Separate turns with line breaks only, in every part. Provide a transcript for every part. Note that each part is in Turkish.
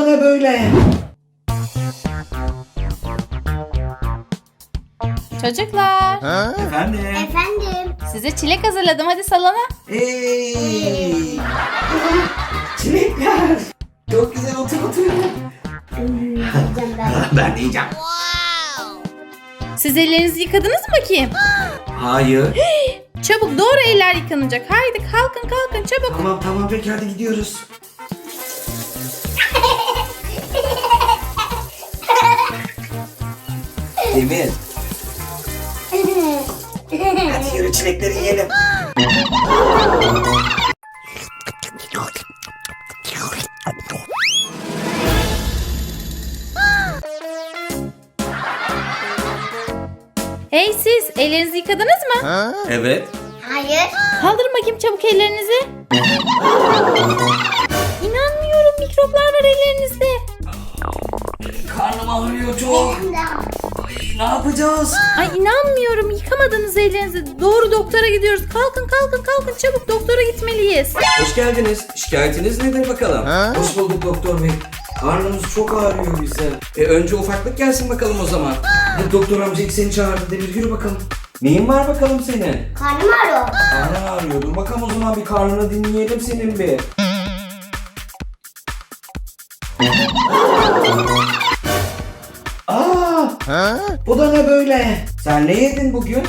ne böyle?
Çocuklar,
Efendim?
Efendim.
size çilek hazırladım. Hadi salona.
Hey! Çilekler! Çok güzel, otur.
Yiyeceğim ben.
Ben de yiyeceğim.
Siz ellerinizi yıkadınız mı bakayım?
Hayır.
Çabuk, doğru eller yıkanacak. Haydi kalkın çabuk.
Tamam peki, hadi gidiyoruz. Demir, hadi yürü, çilekleri yiyelim.
Hey siz, ellerinizi yıkadınız mı?
Evet.
Hayır.
Kaldırın bakayım çabuk ellerinizi. İnanmıyorum, mikroplar var ellerinizde.
Karnım ağrıyor çok. Ay, ne yapacağız?
Ay inanmıyorum, yıkamadınız ellerinizi. Doğru doktora gidiyoruz. Kalkın çabuk, doktora gitmeliyiz.
Hoş geldiniz. Şikayetiniz nedir bakalım? Hoş bulduk doktor bey. Karnımız çok ağrıyor bize. Önce ufaklık gelsin bakalım o zaman. Hadi doktor amca ilk seni çağırdı. Demir, yürü bakalım. Neyin var bakalım senin?
Karnım ağrıyor.
Karnın ağrıyor. Dur bakalım o zaman, bir karnını dinleyelim senin bir. Bu da ne böyle? Sen ne yedin bugün?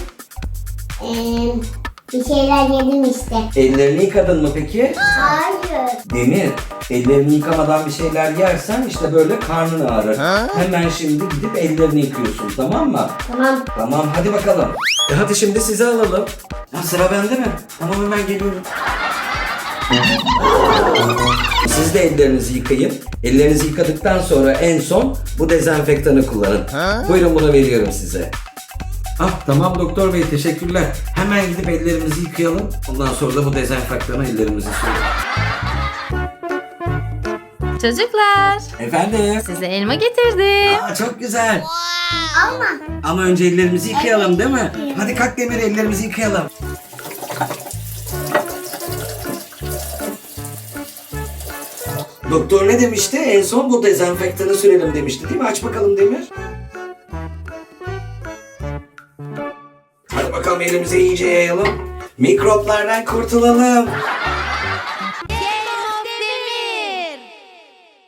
Bir şeyler yedim işte.
Ellerini yıkadın mı peki?
Hayır.
Demir, ellerini yıkamadan bir şeyler yersen işte böyle karnın ağrır. Hemen şimdi gidip ellerini yıkıyorsun, tamam mı?
Tamam.
Tamam, hadi bakalım. Hadi şimdi sizi alalım. Ha, sıra bende mi? Tamam, hemen geliyorum. Siz de ellerinizi yıkayın. Ellerinizi yıkadıktan sonra en son bu dezenfektanı kullanın. Buyurun, bunu veriyorum size. Ah, tamam doktor bey, teşekkürler. Hemen gidip ellerimizi yıkayalım. Ondan sonra da bu dezenfektanı ellerimizi sürelim.
Çocuklar,
Efendim?
size elma getirdim.
Aa, çok güzel.
Alma.
Ama önce ellerimizi yıkayalım, değil mi? Hadi kalk Demir, ellerimizi yıkayalım. Doktor ne demişti? En son bu dezenfektanı sürelim demişti, değil mi? Aç bakalım Demir. Hadi bakalım, elimize iyice yayalım. Mikroplardan kurtulalım.